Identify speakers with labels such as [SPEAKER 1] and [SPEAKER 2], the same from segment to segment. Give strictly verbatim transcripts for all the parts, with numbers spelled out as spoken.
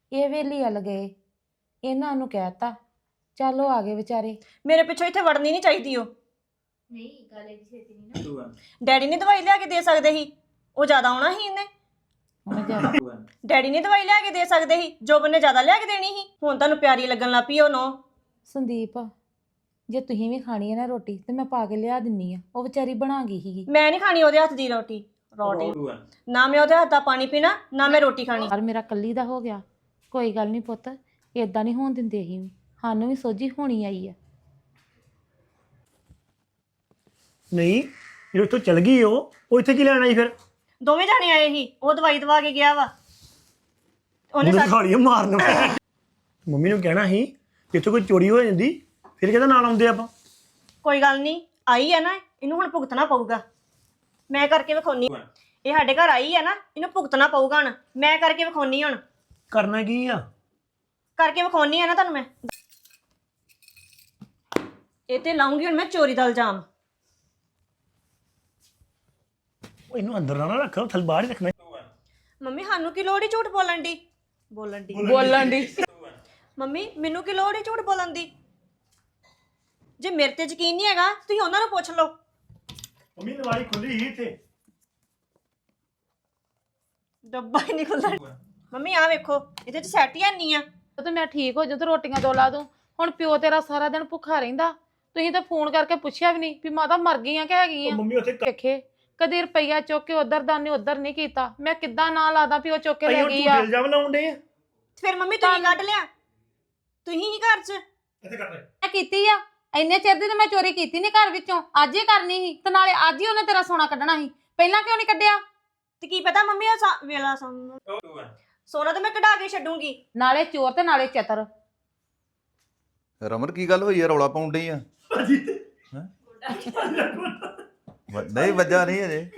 [SPEAKER 1] ਇਹ ਵੇਲੀ ਵੱਲ ਗਏ, ਇਹਨਾਂ ਨੂੰ ਕਹਿਤਾ ਚੱਲ ਉਹ ਆ ਗਏ ਵਿਚਾਰੇ।
[SPEAKER 2] ਮੇਰੇ ਪਿੱਛੋਂ ਇੱਥੇ ਵੜਨੀ ਨਹੀਂ ਚਾਹੀਦੀ। ਉਹ
[SPEAKER 3] ਨਹੀਂ ਗੱਲ ਇਹ ਛੇਤੀ ਨਹੀਂ ਨਾ।
[SPEAKER 2] ਡੈਡੀ ਨੇ ਦਵਾਈ ਲਿਆ ਕੇ ਦੇ ਸਕਦੇ ਸੀ, ਉਹ ਜ਼ਿਆਦਾ ਆਉਣਾ ਸੀ ਇਹਨੇ।
[SPEAKER 1] ਉਹਨੇ ਜ਼ਿਆਦਾ
[SPEAKER 2] ਡੈਡੀ ਨੇ ਦਵਾਈ ਲਿਆ ਕੇ ਦੇ ਸਕਦੇ ਸੀ, ਜੋਬਨ ਨੇ ਜ਼ਿਆਦਾ ਲਿਆ ਕੇ ਦੇਣੀ ਸੀ। ਹੁਣ ਤੁਹਾਨੂੰ ਪਿਆਰੀ ਲੱਗਣ ਲੱਗ ਪਈ ਉਹ ਨੋ।
[SPEAKER 1] ਸੰਦੀਪ ਜੇ ਤੁਸੀਂ ਵੀ ਖਾਣੀ ਹੈ ਨਾ ਰੋਟੀ ਤੇ ਮੈਂ ਪਾ ਕੇ ਲਿਆ ਦਿੰਨੀ ਆ, ਉਹ ਵਿਚਾਰੀ ਬਣਾ ਗਈ ਸੀਗੀ।
[SPEAKER 2] ਮੈਂ ਨਹੀਂ ਖਾਣੀ ਉਹਦੇ ਹੱਥ ਦੀ ਰੋਟੀ ਰੋਟੀ ਨਾ ਮੈਂ ਉਹਦੇ ਹੱਥ ਦਾ ਪਾਣੀ ਪੀਣਾ, ਨਾ ਮੈਂ ਰੋਟੀ ਖਾਣੀ।
[SPEAKER 1] ਪਰ ਮੇਰਾ ਕੱਲੀ ਦਾ ਹੋ ਗਿਆ। ਕੋਈ ਗੱਲ ਨਹੀਂ ਪੁੱਤ, ਏਦਾਂ ਨਹੀਂ ਹੋਣ ਦਿੰਦੇ ਅਸੀਂ ਵੀ, ਸਾਨੂੰ ਵੀ ਸੋਝੀ ਹੋਣੀ ਆਈ ਆ।
[SPEAKER 4] ਨਹੀਂ ਜਦੋਂ ਇੱਥੋਂ ਚਲ ਗਈ ਉਹ ਉਹ ਇੱਥੇ ਕੀ ਲੈਣ ਆਈ ਫਿਰ?
[SPEAKER 2] ਦੋਵੇਂ ਜਾਣੇ ਆਏ ਸੀ, ਉਹ ਦਵਾਈ ਦਵਾ ਕੇ ਗਿਆ ਵਾ। ਉਹਨੇ
[SPEAKER 4] ਉਹਨੇ
[SPEAKER 2] ਸਾ-
[SPEAKER 4] ਖਾਲੀ ਮਾਰਨ ਮੰਮੀ ਨੂੰ ਕਹਿਣਾ ਸੀ ਕਿ ਇੱਥੇ ਕੋਈ ਚੋਰੀ ਹੋ ਜਾਂਦੀ ਫਿਰ ਕਿਹਦਾ ਨਾਲ ਆਉਂਦੇ ਆਪਾਂ।
[SPEAKER 2] ਕੋਈ ਗੱਲ ਨਹੀਂ, ਆਈ ਹੈ ਨਾ, ਇਹਨੂੰ ਹੁਣ ਭੁਗਤਣਾ ਪਊਗਾ। ਮੈਂ ਕਰਕੇ ਵਿਖਾਉਣੀ। ਇਹ ਸਾਡੇ ਘਰ ਆਈ ਹੈ ਨਾ, ਇਹਨੂੰ ਭੁਗਤਣਾ ਪਊਗਾ ਹੁਣ। ਮੈਂ ਕਰਕੇ ਵਿਖਾਉਣੀ ਹੁਣ,
[SPEAKER 4] ਕਰਨਾ ਕੀ ਆ?
[SPEAKER 2] ਕਰਕੇ ਵਿਖਾਉਣੀ ਆ ਨਾ ਤੁਹਾਨੂੰ ਮੈਂ। ਇਹ ਤੇ ਲਾਉਂਗੀ ਹੁਣ ਮੈਂ ਚੋਰੀ ਦਾ ਇਲਜ਼ਾਮ।
[SPEAKER 4] ਉਹ ਇਹਨੂੰ ਅੰਦਰ ਨਾ ਰੱਖ, ਥਲ ਬਾਹਰ ਹੀ ਰੱਖਣਾ।
[SPEAKER 2] ਮੰਮੀ ਸਾਨੂੰ ਕੀ ਲੋੜ ਹੀ ਝੂਠ ਬੋਲਣ ਦੀ ਬੋਲਣ ਦੀ
[SPEAKER 1] ਬੋਲਣ ਦੀ
[SPEAKER 2] ਮੰਮੀ ਮੈਨੂੰ ਕੀ ਲੋੜ ਹੀ ਝੂਠ ਬੋਲਣ ਦੀ? ਜੇ ਮੇਰੇ ਤੇ ਯਕੀਨ ਨਹੀਂ ਹੈਗਾ ਤੁਸੀਂ ਉਹਨਾਂ ਨੂੰ ਪੁੱਛ ਲਓ।
[SPEAKER 4] ਮੰਮੀ ਨਵਾਰੀ ਖੁੱਲੀ ਹੀ ਇੱਥੇ।
[SPEAKER 2] ਡੱਬਾ ਹੀ ਨਹੀਂ ਖੁੱਲਦਾ। ਮੰਮੀ ਆ ਵੇਖੋ, ਇਹਦੇ ਚ ਸੈਟ ਹੀ ਨਹੀਂ ਆ।
[SPEAKER 1] ਤੇ ਮੈਂ ਠੀਕ ਹੋ ਜਾਊਂ ਤੇ ਰੋਟੀਆਂ ਦੋ ਲਾ ਦੂੰ। ਹੁਣ ਪਿਓ ਤੇਰਾ ਸਾਰਾ ਦਿਨ ਭੁੱਖਾ ਰਹਿੰਦਾ, ਤੁਸੀਂ ਤਾਂ ਫੋਨ ਕਰਕੇ ਪੁੱਛਿਆ ਵੀ ਨਹੀਂ ਵੀ ਮਾਤਾ ਮਰ ਗਈ ਆ ਕਿ ਹੈਗੀ
[SPEAKER 4] ਉਹ
[SPEAKER 1] ਆ।
[SPEAKER 4] ਮੰਮੀ ਉੱਥੇ
[SPEAKER 1] ਵੇਖੇ ਕਦੀ ਰੁਪਈਆ ਚੁੱਕ ਕੇ ਉਧਰ ਦਾ ਨਹੀਂ ਉਧਰ ਨਹੀਂ ਕੀਤਾ। ਮੈਂ ਕਿੱਦਾਂ ਨਾ ਲਾਦਾ ਵੀ ਉਹ ਚੁੱਕ ਕੇ ਲੈ ਗਈ ਆ।
[SPEAKER 4] ਇਲਜ਼ਾਮ ਲਾਉਂਦੇ ਆ।
[SPEAKER 2] ਫਿਰ ਮੰਮੀ ਤੁਸੀਂ ਕੱਢ ਲਿਆ, ਤੁਸੀਂ ਹੀ ਘਰ ਚ
[SPEAKER 4] ਇੱਥੇ ਕੱਟ ਲੈ।
[SPEAKER 1] ਮੈਂ ਕੀਤੀ ਆ ਇੰਨੇ ਚਿਰ ਦੀ, ਤੇ ਮੈਂ ਚੋਰੀ ਕੀਤੀ ਨਹੀਂ ਘਰ ਵਿੱਚੋਂ, ਅੱਜ ਹੀ ਕਰਨੀ ਸੀ। ਤੇ ਨਾਲੇ ਅੱਜ ਹੀ ਉਹਨੇ ਤੇਰਾ ਸੋਨਾ ਕੱਢਣਾ ਸੀ, ਪਹਿਲਾਂ ਕਿਉਂ ਨਹੀਂ ਕੱਢਿਆ?
[SPEAKER 2] ਤੇ ਕੀ ਪਤਾ ਮੰਮੀ ਉਹ ਸਾ- ਵੇਲਾ ਸੋਨਾ ਸੋਨਾ ਤਾਂ ਮੈਂ ਕਢਾ ਕੇ ਛੱਡੂੰਗੀ।
[SPEAKER 1] ਨਾਲੇ ਚੋਰ ਤੇ ਨਾਲੇ ਚਤਰ।
[SPEAKER 5] ਰਮਨ ਕੀ ਗੱਲ ਹੋਈ ਆ? ਰੌਲਾ ਪਾਉਣ ਡਈ ਆ? ਹੈਂ? ਵ- ਨਹੀਂ ਵੱਜਾ ਨਹੀਂ ਅਜੇ।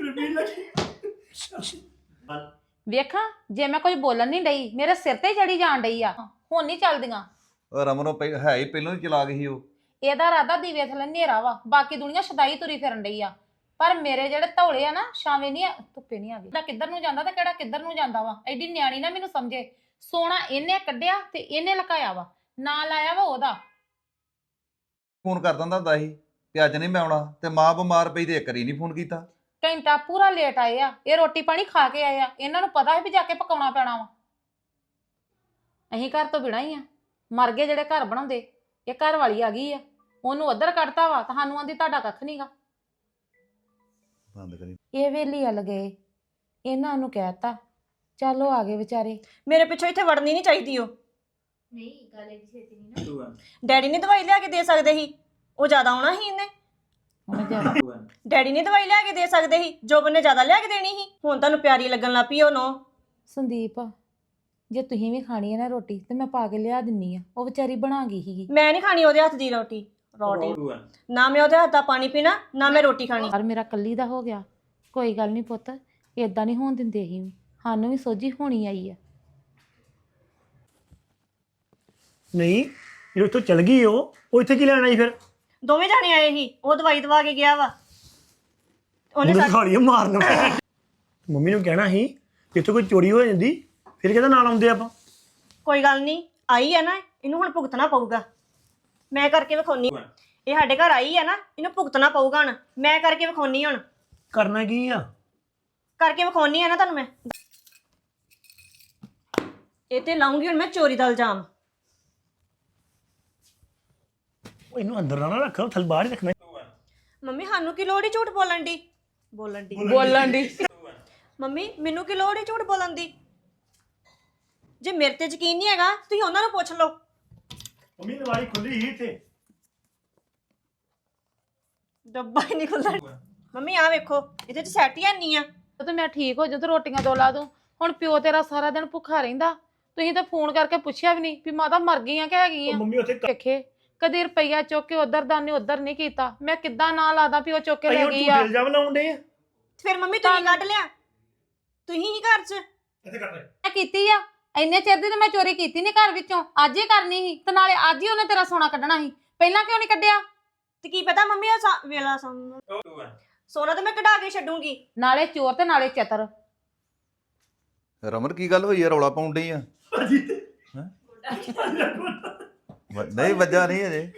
[SPEAKER 1] ਵੇਖਾਂ ਜੇ ਮੈਂ ਕੁਝ ਬੋਲਣ ਨਹੀਂ ਡਈ, ਮੇਰੇ ਸਿਰ ਤੇ ਚੜੀ ਜਾਣ ਡਈ ਆ। ਹੁਣ ਨਹੀਂ ਚੱਲਦੀਆਂ।
[SPEAKER 5] ਉਹ ਰਮਨ ਉਹ ਪਹਿ- ਹੈ ਹੀ ਪਹਿਲਾਂ ਹੀ ਚਲਾ ਗਈ ਸੀ ਉਹ।
[SPEAKER 1] ਇਹਦਾ ਰਾਦਾ ਦੀਵੇ ਥੱਲੇ ਹਨੇਰਾ ਵਾ, ਬਾਕੀ ਦੁਨੀਆ ਸ਼ਦਾਈ ਤੁਰੀ ਫਿਰਨ ਡਈ ਆ। ਪਰ ਮੇਰੇ ਜਿਹੜੇ ਧੌਲੇ ਆ ਨਾ, ਛਾਵੇਂ ਨਹੀਂ ਆ, ਧੁੱਪੇ ਨਹੀਂ ਆ ਗਈ। ਕਿੱਧਰ ਨੂੰ ਜਾਂਦਾ ਤੇ ਕਿਹੜਾ ਕਿੱਧਰ ਨੂੰ ਜਾਂਦਾ ਵਾ। ਐਡੀ ਨਿਆਣੀ ਨਾ ਮੈਨੂੰ ਸਮਝੇ। ਸੋਨਾ ਇਹਨੇ ਕੱਢਿਆ ਤੇ ਇਹਨੇ ਲਕਾਇਆ ਵਾ, ਨਾ ਲਾਇਆ ਵਾ ਉਹਦਾ।
[SPEAKER 5] ਫੋਨ ਕਰ ਦਿੰਦਾ ਹੁੰਦਾ ਸੀ ਕਿ ਅੱਜ ਨਹੀਂ ਮੈਂ ਆਉਣਾ, ਤੇ ਮਾਂ ਬਿਮਾਰ ਪਈ ਤੇ ਇੱਕ ਵਾਰੀ ਨਹੀਂ ਫੋਨ ਕੀਤਾ।
[SPEAKER 1] ਘੰਟਾ ਪੂਰਾ ਲੇਟ ਆਏ ਆ। ਇਹ ਰੋਟੀ ਪਾਣੀ ਖਾ ਕੇ ਆਏ ਆ, ਇਹਨਾਂ ਨੂੰ ਪਤਾ ਹੈ ਵੀ ਜਾ ਕੇ ਪਕਾਉਣਾ ਪੈਣਾ ਵਾ। ਅਸੀਂ ਘਰ ਤੋਂ ਬਿਨਾਂ ਹੀ ਆ, ਮਰ ਗਏ ਜਿਹੜੇ ਘਰ ਬਣਾਉਂਦੇ। ਇਹ ਘਰ ਵਾਲੀ ਆ ਗਈ ਆ, ਉਹਨੂੰ ਉੱਧਰ ਕੱਢਤਾ ਵਾ, ਤੁਹਾਨੂੰ ਆਂਦੀ ਤੁਹਾਡਾ ਕੱਖ ਨਹੀਂਗਾ।
[SPEAKER 5] ਬੰਦ ਕਰੀ।
[SPEAKER 1] ਇਹ ਵੇਲੀ ਵੱਲ ਗਏ, ਇਹਨਾਂ ਨੂੰ ਕਹਿਤਾ ਚੱਲ ਉਹ ਆ ਗਏ ਵਿਚਾਰੇ।
[SPEAKER 2] ਮੇਰੇ ਪਿੱਛੋਂ ਇੱਥੇ ਵੜਨੀ ਨਹੀਂ ਚਾਹੀਦੀ। ਉਹ
[SPEAKER 3] ਨਹੀਂ ਗੱਲ ਇਹ ਛੇਤੀ ਨਹੀਂ ਨਾ।
[SPEAKER 2] ਡੈਡੀ ਨੇ ਦਵਾਈ ਲਿਆ ਕੇ ਦੇ ਸਕਦੇ ਸੀ, ਉਹ ਜ਼ਿਆਦਾ ਆਉਣਾ ਸੀ ਇਹਨੇ।
[SPEAKER 1] ਉਹਨੇ ਜ਼ਿਆਦਾ
[SPEAKER 2] ਡੈਡੀ ਨੇ ਦਵਾਈ ਲਿਆ ਕੇ ਦੇ ਸਕਦੇ ਸੀ, ਜੋਬਨ ਨੇ ਜ਼ਿਆਦਾ ਲਿਆ ਕੇ ਦੇਣੀ ਸੀ। ਹੁਣ ਤੁਹਾਨੂੰ ਪਿਆਰੀ ਲੱਗਣ ਲੱਗ ਪਈ ਉਹ ਨੋ।
[SPEAKER 1] ਸੰਦੀਪ ਜੇ ਤੁਸੀਂ ਵੀ ਖਾਣੀ ਹੈ ਨਾ ਰੋਟੀ ਤੇ ਮੈਂ ਪਾ ਕੇ ਲਿਆ ਦਿੰਨੀ ਆ, ਉਹ ਵਿਚਾਰੀ ਬਣਾ ਗਈ ਸੀਗੀ।
[SPEAKER 2] ਮੈਂ ਨਹੀਂ ਖਾਣੀ ਉਹਦੇ ਹੱਥ ਦੀ ਰੋਟੀ ਰੋਟੀ ਨਾ ਮੈਂ ਉਹਦੇ ਹੱਥ ਦਾ ਪਾਣੀ ਪੀਣਾ, ਨਾ ਮੈਂ ਰੋਟੀ ਖਾਣੀ।
[SPEAKER 1] ਪਰ ਮੇਰਾ ਕੱਲੀ ਦਾ ਹੋ ਗਿਆ। ਕੋਈ ਗੱਲ ਨਹੀਂ ਪੁੱਤ, ਏਦਾਂ ਨਹੀਂ ਹੋਣ ਦਿੰਦੇ ਅਸੀਂ ਵੀ, ਸਾਨੂੰ ਵੀ ਸੋਝੀ ਹੋਣੀ ਆਈ ਆ।
[SPEAKER 4] ਨਹੀਂ ਜਦੋਂ ਇੱਥੋਂ ਚਲ ਗਈ ਉਹ ਉਹ ਇੱਥੇ ਕੀ ਲੈਣ ਆਈ ਫਿਰ?
[SPEAKER 2] ਦੋਵੇਂ ਜਾਣੇ ਆਏ ਸੀ, ਉਹ ਦਵਾਈ ਦਵਾ ਕੇ ਗਿਆ ਵਾ। ਉਹਨੇ
[SPEAKER 4] ਉਹਨੇ
[SPEAKER 2] ਸਾ-
[SPEAKER 4] ਖਾਲੀ ਮਾਰਨ ਮੰਮੀ ਨੂੰ ਕਹਿਣਾ ਸੀ ਕਿ ਇੱਥੇ ਕੋਈ ਚੋਰੀ ਹੋ ਜਾਂਦੀ ਫਿਰ ਕਿਹਦਾ ਨਾਲ ਆਉਂਦੇ ਆਪਾਂ।
[SPEAKER 2] ਕੋਈ ਗੱਲ ਨਹੀਂ, ਆਈ ਹੈ ਨਾ, ਇਹਨੂੰ ਹੁਣ ਭੁਗਤਣਾ ਪਊਗਾ। ਮੈਂ ਕਰਕੇ ਵਿਖਾਉਣੀ। ਇਹ ਸਾਡੇ ਘਰ ਆਈ ਹੈ ਨਾ, ਇਹਨੂੰ ਭੁਗਤਣਾ ਪਊਗਾ ਹੁਣ। ਮੈਂ ਕਰਕੇ ਵਿਖਾਉਣੀ ਹੁਣ,
[SPEAKER 4] ਕਰਨਾ ਕੀ ਆ?
[SPEAKER 2] ਕਰਕੇ ਵਿਖਾਉਣੀ ਆ ਨਾ ਤੁਹਾਨੂੰ ਮੈਂ। ਇਹ ਤੇ ਲਾਉਂਗੀ ਹੁਣ ਮੈਂ ਚੋਰੀ ਦਾ ਇਲਜ਼ਾਮ।
[SPEAKER 4] ਉਹ ਇਹਨੂੰ ਅੰਦਰ ਨਾ ਰੱਖ, ਥਲ ਬਾਹਰ ਹੀ ਰੱਖਣਾ।
[SPEAKER 2] ਮੰਮੀ ਸਾਨੂੰ ਕੀ ਲੋੜ ਹੀ ਝੂਠ ਬੋਲਣ ਦੀ ਬੋਲਣ ਦੀ
[SPEAKER 1] ਬੋਲਣ ਦੀ
[SPEAKER 2] ਮੰਮੀ ਮੈਨੂੰ ਕੀ ਲੋੜ ਹੀ ਝੂਠ ਬੋਲਣ ਦੀ? ਜੇ ਮੇਰੇ ਤੇ ਯਕੀਨ ਨਹੀਂ ਹੈਗਾ ਤੁਸੀਂ ਉਹਨਾਂ ਨੂੰ ਪੁੱਛ ਲਓ।
[SPEAKER 4] ਮੰਮੀ ਨਵਾਰੀ ਖੁੱਲੀ ਹੀ ਇੱਥੇ।
[SPEAKER 2] ਡੱਬਾ ਹੀ ਨਹੀਂ ਖੁੱਲਦਾ। ਮੰਮੀ ਆ ਵੇਖੋ, ਇਹਦੇ ਚ ਸੈਟ ਹੀ ਨਹੀਂ ਆ।
[SPEAKER 1] ਤੇ ਮੈਂ ਠੀਕ ਹੋ ਜਾਊਂ ਤੇ ਰੋਟੀਆਂ ਦੋ ਲਾ ਦੂੰ। ਹੁਣ ਪਿਓ ਤੇਰਾ ਸਾਰਾ ਦਿਨ ਭੁੱਖਾ ਰਹਿੰਦਾ, ਤੁਸੀਂ ਤਾਂ ਫੋਨ ਕਰਕੇ ਪੁੱਛਿਆ ਵੀ ਨਹੀਂ ਵੀ ਮਾਤਾ ਮਰ ਗਈ ਆ ਕਿ ਹੈਗੀ
[SPEAKER 4] ਉਹ
[SPEAKER 1] ਆ।
[SPEAKER 4] ਮੰਮੀ ਉੱਥੇ
[SPEAKER 1] ਵੇਖੇ ਕਦੀ ਰੁਪਈਆ ਚੁੱਕ ਕੇ ਉਧਰ ਦਾ ਨਹੀਂ ਉਧਰ ਨਹੀਂ ਕੀਤਾ। ਮੈਂ ਕਿੱਦਾਂ ਨਾ ਲਾਦਾ ਵੀ ਉਹ ਚੁੱਕ ਕੇ ਲੈ ਗਈ ਆ।
[SPEAKER 4] ਇਲਜ਼ਾਮ ਲਾਉਂਦੇ ਆ।
[SPEAKER 2] ਫਿਰ ਮੰਮੀ ਤੁਸੀਂ ਕੱਢ ਲਿਆ, ਤੁਸੀਂ ਹੀ ਘਰ ਚ
[SPEAKER 4] ਇੱਥੇ ਕੱਟ ਲੈ।
[SPEAKER 1] ਮੈਂ ਕੀਤੀ ਆ ਇੰਨੇ ਚਿਰ ਦੀ, ਤੇ ਮੈਂ ਚੋਰੀ ਕੀਤੀ ਨਹੀਂ ਘਰ ਵਿੱਚੋਂ, ਅੱਜ ਹੀ ਕਰਨੀ ਸੀ। ਤੇ ਨਾਲੇ ਅੱਜ ਹੀ ਉਹਨੇ ਤੇਰਾ ਸੋਨਾ ਕੱਢਣਾ ਸੀ, ਪਹਿਲਾਂ ਕਿਉਂ ਨਹੀਂ ਕੱਢਿਆ?
[SPEAKER 2] ਤੇ ਕੀ ਪਤਾ ਮੰਮੀ ਉਹ ਸਾ- ਵੇਲਾ ਸੋਨਾ ਸੋਨਾ ਤਾਂ ਮੈਂ ਕਢਾ ਕੇ ਛੱਡੂੰਗੀ।
[SPEAKER 1] ਨਾਲੇ ਚੋਰ ਤੇ ਨਾਲੇ ਚਤਰ।
[SPEAKER 5] ਰਮਨ ਕੀ ਗੱਲ ਹੋਈ ਆ? ਰੌਲਾ ਪਾਉਣ ਡਈ ਆ? ਵ- ਨਹੀਂ ਵੱਜਾ ਨਹੀਂ ਅਜੇ।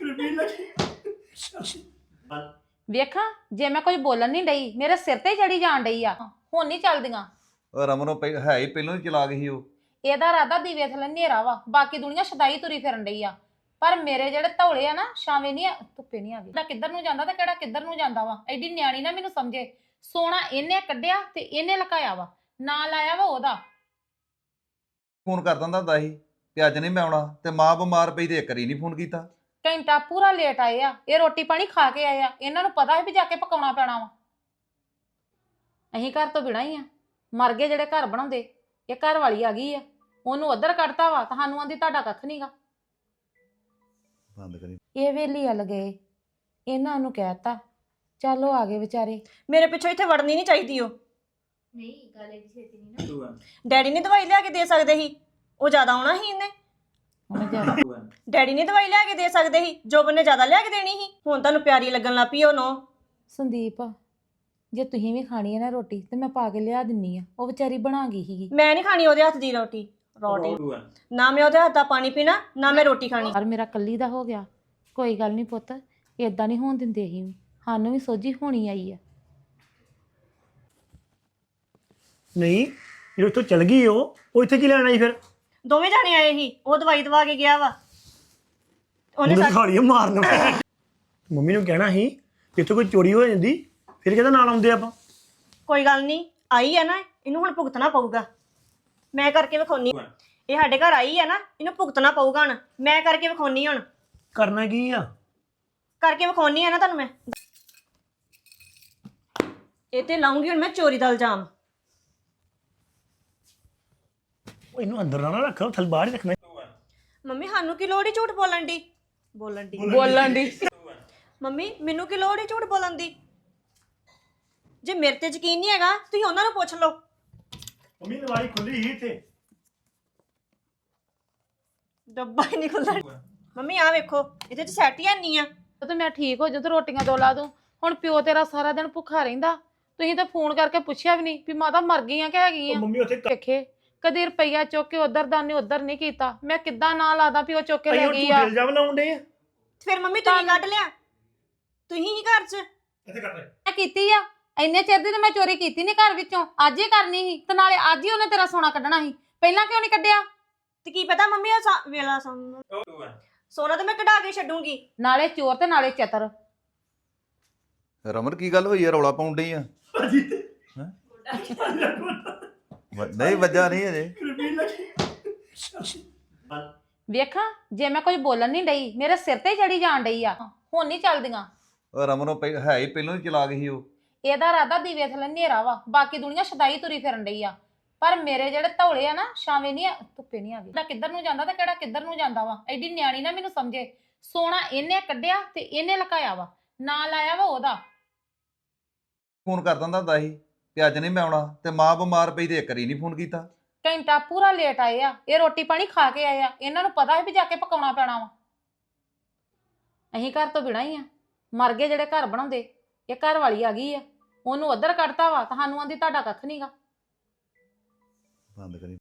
[SPEAKER 1] ਵੇਖਾਂ ਜੇ ਮੈਂ ਕੁਝ ਬੋਲਣ ਨਹੀਂ ਡਈ ਮੇਰੇ ਸਿਰ ਤੇ ਚੜੀ ਜਾਣ ਡਈ ਆ ਹੁਣ ਨਹੀਂ ਚੱਲਦੀਆਂ।
[SPEAKER 5] ਉਹ ਰਮਨੋਂ ਪਹਿ ਹੈ ਹੀ ਪਹਿਲਾਂ ਹੀ ਚਲਾ ਗਈ ਉਹ।
[SPEAKER 1] ਇਹਦਾ ਰਾਦਾ ਦੀਵੇ ਥੱਲੇ ਹਨੇਰਾ ਵਾ ਬਾਕੀ ਦੁਨੀਆ ਸ਼ਦਾਈ ਤੁਰੀ ਫਿਰਨ ਡਈ ਆ ਪਰ ਮੇਰੇ ਜਿਹੜੇ ਧੌਲੇ ਆ ਨਾ ਛਾਵੇਂ ਨਹੀਂ ਆ ਧੁੱਪੇ ਨਹੀਂ ਆ ਗਏ ਕਿੱਧਰ ਨੂੰ ਜਾਂਦਾ ਤੇ ਕਿਹੜਾ ਕਿੱਧਰ ਨੂੰ ਜਾਂਦਾ ਵਾ ਐਡੀ ਨਿਆਣੀ ਨਾ ਮੈਨੂੰ ਸਮਝੇ। ਸੋਨਾ ਇਹਨੇ ਕੱਢਿਆ ਤੇ ਇਹਨੇ ਲਕਾਇਆ ਵਾ ਨਾ ਲਾਇਆ ਵਾ ਉਹਦਾ।
[SPEAKER 5] ਫੋਨ ਕਰ ਦਿੰਦਾ ਹੁੰਦਾ ਸੀ ਕਿ ਅੱਜ ਨਹੀਂ ਮੈਂ ਆਉਣਾ ਤੇ ਮਾਂ ਬਿਮਾਰ ਪਈ ਤੇ ਇੱਕ ਵਾਰੀ ਨਹੀਂ ਫੋਨ ਕੀਤਾ।
[SPEAKER 1] ਘੰਟਾ ਪੂਰਾ ਲੇਟ ਆਏ ਆ ਇਹ ਰੋਟੀ ਪਾਣੀ ਖਾ ਕੇ ਆਏ ਆ ਇਹਨਾਂ ਨੂੰ ਪਤਾ ਹੈ ਵੀ ਜਾ ਕੇ ਪਕਾਉਣਾ ਪੈਣਾ ਵਾ। ਅਸੀਂ ਘਰ ਤੋਂ ਬਿਨਾਂ ਹੀ ਆ ਮਰ ਗਏ ਜਿਹੜੇ ਘਰ ਬਣਾਉਂਦੇ। ਇਹ ਘਰ ਵਾਲੀ ਆ ਗਈ ਆ ਉਹਨੂੰ ਉੱਧਰ ਕੱਢਤਾ ਵਾ ਤੁਹਾਨੂੰ ਆਂਦੀ ਤੁਹਾਡਾ ਕੱਖ ਨਹੀਂਗਾ।
[SPEAKER 5] ਬੰਦ ਕਰੀ।
[SPEAKER 1] ਇਹ ਵੇਲੀ ਹਲ ਗਏ ਇਹਨਾਂ ਨੂੰ ਕਹਿਤਾ ਚਲੋ ਆ ਗਏ ਵਿਚਾਰੇ।
[SPEAKER 2] ਮੇਰੇ ਪਿੱਛੋਂ ਇੱਥੇ ਵੜਨੀ ਨਹੀਂ ਚਾਹੀਦੀ ਉਹ।
[SPEAKER 3] ਨਹੀਂ ਗੱਲ ਐਡੀ ਛੇਤੀ ਨਹੀਂ ਨਾ।
[SPEAKER 2] ਡੈਡੀ ਨੇ ਦਵਾਈ ਲਿਆ ਕੇ ਦੇ ਸਕਦੇ ਸੀ ਉਹ ਜ਼ਿਆਦਾ ਆਉਣਾ ਸੀ ਇਹਨੇ।
[SPEAKER 1] ਹੁਣ ਜ਼ਿਆਦਾ
[SPEAKER 2] ਡੈਡੀ ਨੇ ਦਵਾਈ ਲਿਆ ਕੇ ਦੇ ਸਕਦੇ ਸੀ ਜੋਬਨ ਨੇ ਜ਼ਿਆਦਾ ਲਿਆ ਕੇ ਦੇਣੀ ਸੀ। ਹੁਣ ਤੁਹਾਨੂੰ ਪਿਆਰੀ ਲੱਗਣ ਲੱਗ ਪਈ ਉਹ ਨੋ।
[SPEAKER 1] ਸੰਦੀਪ ਜੇ ਤੁਸੀਂ ਵੀ ਖਾਣੀ ਹੈ ਨਾ ਰੋਟੀ ਤੇ ਮੈਂ ਪਾ ਕੇ ਲਿਆ ਦਿੰਨੀ ਆ ਉਹ ਵਿਚਾਰੀ ਬਣਾ ਗਈ ਸੀਗੀ।
[SPEAKER 2] ਮੈਂ ਨਹੀਂ ਖਾਣੀ ਉਹਦੇ ਹੱਥ ਦੀ ਰੋਟੀ ਰੋਟੀ ਨਾ ਮੈਂ ਉਹਦੇ ਹੱਥ ਦਾ ਪਾਣੀ ਪੀਣਾ ਨਾ ਮੈਂ ਰੋਟੀ ਖਾਣੀ।
[SPEAKER 1] ਪਰ ਮੇਰਾ ਕੱਲੀ ਦਾ ਹੋ ਗਿਆ ਕੋਈ ਗੱਲ ਨਹੀਂ ਪੁੱਤ ਏਦਾਂ ਨਹੀਂ ਹੋਣ ਦਿੰਦੇ ਅਸੀਂ ਵੀ ਸਾਨੂੰ ਵੀ ਸੋਝੀ ਹੋਣੀ ਆਈ ਆ।
[SPEAKER 4] ਨਹੀਂ ਜਦੋਂ ਇੱਥੋਂ ਚਲ ਗਈ ਉਹ ਉਹ ਇੱਥੇ ਕੀ ਲੈਣ ਆਈ ਫਿਰ?
[SPEAKER 2] ਦੋਵੇਂ ਜਾਣੇ ਆਏ ਸੀ ਉਹ ਦਵਾਈ ਦਵਾ ਕੇ ਗਿਆ ਵਾ ਉਹਨੇ
[SPEAKER 4] ਉਹਨੇ
[SPEAKER 2] ਸਾ-
[SPEAKER 4] ਖਾਲੀ ਮਾਰਨ ਮੰਮੀ ਨੂੰ ਕਹਿਣਾ ਸੀ ਕਿ ਇੱਥੇ ਕੋਈ ਚੋਰੀ ਹੋ ਜਾਂਦੀ ਫਿਰ ਕਿਹਦਾ ਨਾਲ ਆਉਂਦੇ ਆਪਾਂ।
[SPEAKER 2] ਕੋਈ ਗੱਲ ਨਹੀਂ ਆਈ ਆ ਨਾ ਇਹਨੂੰ ਹੁਣ ਭੁਗਤਣਾ ਪਊਗਾ। ਮੈਂ ਕਰਕੇ ਵਿਖਾਉਣੀ ਇਹ ਸਾਡੇ ਘਰ ਆਈ ਆ ਨਾ ਇਹਨੂੰ ਭੁਗਤਣਾ ਪਊਗਾ ਹੁਣ। ਮੈਂ ਕਰਕੇ ਵਿਖਾਉਣੀ ਹੁਣ
[SPEAKER 4] ਕਰਨਾ ਕੀ ਆ?
[SPEAKER 2] ਕਰਕੇ ਵਿਖਾਉਣੀ ਆ ਨਾ ਤੁਹਾਨੂੰ ਮੈਂ। ਇਹ ਤੇ ਲਾਉਂਗੀ ਹੁਣ ਮੈਂ ਚੋਰੀ ਦਾ ਇਲਜ਼ਾਮ।
[SPEAKER 4] ਉਹ ਇਹਨੂੰ ਅੰਦਰ ਨਾ ਰੱਖ ਥਲ ਬਾਹਰ ਹੀ ਰੱਖਣਾ।
[SPEAKER 2] ਮੰਮੀ ਸਾਨੂੰ ਕੀ ਲੋੜ ਹੀ ਝੂਠ ਬੋਲਣ ਦੀ ਬੋਲਣ ਦੀ
[SPEAKER 1] ਬੋਲਣ ਦੀ
[SPEAKER 2] ਮੰਮੀ ਮੈਨੂੰ ਕੀ ਲੋੜ ਹੀ ਝੂਠ ਬੋਲਣ ਦੀ। ਜੇ ਮੇਰੇ ਤੇ ਯਕੀਨ ਨਹੀਂ ਹੈਗਾ ਤੁਸੀਂ ਉਹਨਾਂ ਨੂੰ ਪੁੱਛ ਲਓ।
[SPEAKER 4] ਮੰਮੀ ਨਵਾਰੀ ਖੁੱਲੀ ਹੀ ਇੱਥੇ।
[SPEAKER 2] ਡੱਬਾ ਹੀ ਨਹੀਂ ਖੁੱਲਦਾ। ਮੰਮੀ ਆ ਵੇਖੋ ਇਹਦੇ ਚ ਸੈਟ ਹੀ ਨਹੀਂ ਆ।
[SPEAKER 1] ਤੇ ਮੈਂ ਠੀਕ ਹੋ ਜੂ ਤੇ ਰੋਟੀਆਂ ਦੋ ਲਾ ਦੂੰ। ਹੁਣ ਪਿਓ ਤੇਰਾ ਸਾਰਾ ਦਿਨ ਭੁੱਖਾ ਰਹਿੰਦਾ ਤੁਸੀਂ ਤਾਂ ਫੋਨ ਕਰਕੇ ਪੁੱਛਿਆ ਵੀ ਨਹੀਂ ਵੀ ਮਾਤਾ ਮਰ ਗਈ ਆ ਕਿ ਹੈਗੀ
[SPEAKER 4] ਉਹ
[SPEAKER 1] ਆ।
[SPEAKER 4] ਮੰਮੀ ਉੱਥੇ
[SPEAKER 1] ਵੇਖੇ ਕਦੀ ਰੁਪਈਆ ਚੁੱਕ ਕੇ ਉਧਰ ਦਾ ਨਹੀਂ ਉਧਰ ਨਹੀਂ ਕੀਤਾ ਮੈਂ ਕਿੱਦਾਂ ਨਾ ਲਾਦਾ ਵੀ ਉਹ ਚੁੱਕ ਕੇ ਲੈ
[SPEAKER 4] ਉਹ
[SPEAKER 1] ਗਈ
[SPEAKER 4] ਝੂਠੇ
[SPEAKER 1] ਆ।
[SPEAKER 4] ਇਲਜ਼ਾਮ ਲਾਉਂਦੇ ਆ।
[SPEAKER 2] ਫਿਰ ਮੰਮੀ ਤੁਸੀਂ ਕੱਢ ਲਿਆ ਤੁਸੀਂ ਹੀ ਘਰ ਚ
[SPEAKER 4] ਇੱਥੇ ਕੱਟ
[SPEAKER 1] ਮੈਂ ਕੀਤੀ ਆ ਇੰਨੇ ਚਿਰ ਦੀ ਤਾਂ ਮੈਂ ਚੋਰੀ ਕੀਤੀ ਨਹੀਂ ਘਰ ਵਿੱਚੋਂ ਅੱਜ ਹੀ ਕਰਨੀ ਸੀ ਤੇ ਨਾਲੇ ਅੱਜ ਹੀ ਉਹਨੇ ਤੇਰਾ ਸੋਨਾ ਕੱਢਣਾ ਸੀ ਪਹਿਲਾਂ ਕਿਉਂ ਨਹੀਂ ਕੱਢਿਆ।
[SPEAKER 2] ਤੇ ਕੀ ਪਤਾ ਮੰਮੀ ਉਹ ਸਾ- ਵੇਲਾ ਸੋਨਾ ਸੋਨਾ ਤਾਂ ਮੈਂ ਕਢਾ ਕੇ ਛੱਡੂੰਗੀ।
[SPEAKER 1] ਨਾਲੇ ਚੋਰ ਤੇ ਨਾਲੇ ਚਤਰ।
[SPEAKER 5] ਰਮਨ ਕੀ ਗੱਲ ਹੋਈ ਆ ਰੌਲਾ ਪਾਉਣ ਡਈ ਆ? ਹੈਂ? ਵ- ਨਹੀਂ ਵੱਜਾ ਨਹੀਂ ਅਜੇ।
[SPEAKER 1] ਵੇਖਾਂ ਜੇ ਮੈਂ ਕੁਝ ਬੋਲਣ ਨਹੀਂ ਡਈ ਮੇਰੇ ਸਿਰ ਤੇ ਚੜੀ ਜਾਣ ਡਈ ਆ ਹੁਣ ਨਹੀਂ ਚੱਲਦੀਆਂ।
[SPEAKER 5] ਉਹ ਰਮਨੋਂ ਪਹਿ ਹੈ ਹੀ ਪਹਿਲਾਂ ਹੀ ਚਲਾ ਗਈ ਉਹ।
[SPEAKER 1] ਇਹਦਾ ਰਾਦਾ ਦੀਵੇ ਥੱਲੇ ਹਨੇਰਾ ਵਾ ਬਾਕੀ ਦੁਨੀਆ ਸ਼ਦਾਈ ਤੁਰੀ ਫਿਰਨ ਡਈ ਆ ਪਰ ਮੇਰੇ ਜਿਹੜੇ ਧੌਲੇ ਆ ਨਾ ਛਾਵੇਂ ਨਹੀਂ ਆ ਧੁੱਪੇ ਨਹੀਂ ਆ ਗਏ ਕਿੱਧਰ ਨੂੰ ਜਾਂਦਾ ਤੇ ਕਿਹੜਾ ਕਿੱਧਰ ਨੂੰ ਜਾਂਦਾ ਵਾ ਐਡੀ ਨਿਆਣੀ ਨਾ ਮੈਨੂੰ ਸਮਝੇ। ਸੋਨਾ ਇਹਨੇ ਕੱਢਿਆ ਤੇ ਇਹਨੇ ਲਕਾਇਆ ਵਾ ਨਾ ਲਾਇਆ ਵਾ ਉਹਦਾ।
[SPEAKER 5] ਫੋਨ ਕਰ ਦਿੰਦਾ ਹੁੰਦਾ ਸੀ ਕਿ ਅੱਜ ਨਹੀਂ ਮੈਂ ਆਉਣਾ ਤੇ ਮਾਂ ਬਿਮਾਰ ਪਈ ਤੇ ਇੱਕ ਵਾਰੀ ਨਹੀਂ ਫੋਨ ਕੀਤਾ।
[SPEAKER 1] ਘੰਟਾ ਪੂਰਾ ਲੇਟ ਆਏ ਆ ਇਹ ਰੋਟੀ ਪਾਣੀ ਖਾ ਕੇ ਆਏ ਆ ਇਹਨਾਂ ਨੂੰ ਪਤਾ ਹੈ ਵੀ ਜਾ ਕੇ ਪਕਾਉਣਾ ਪੈਣਾ ਵਾ। ਅਸੀਂ ਘਰ ਤੋਂ ਬਿਨਾਂ ਹੀ ਆ ਮਰ ਗਏ ਜਿਹੜੇ ਘਰ ਬਣਾਉਂਦੇ। ਇਹ ਘਰ ਵਾਲੀ ਆ ਗਈ ਆ ਉਹਨੂੰ ਉੱਧਰ ਕੱਢਤਾ ਵਾ ਤੁਹਾਨੂੰ ਆਂਦੀ ਤੁਹਾਡਾ ਕੱਖ ਨਹੀਂਗਾ।
[SPEAKER 5] ਬੰਦ ਕਰੀ।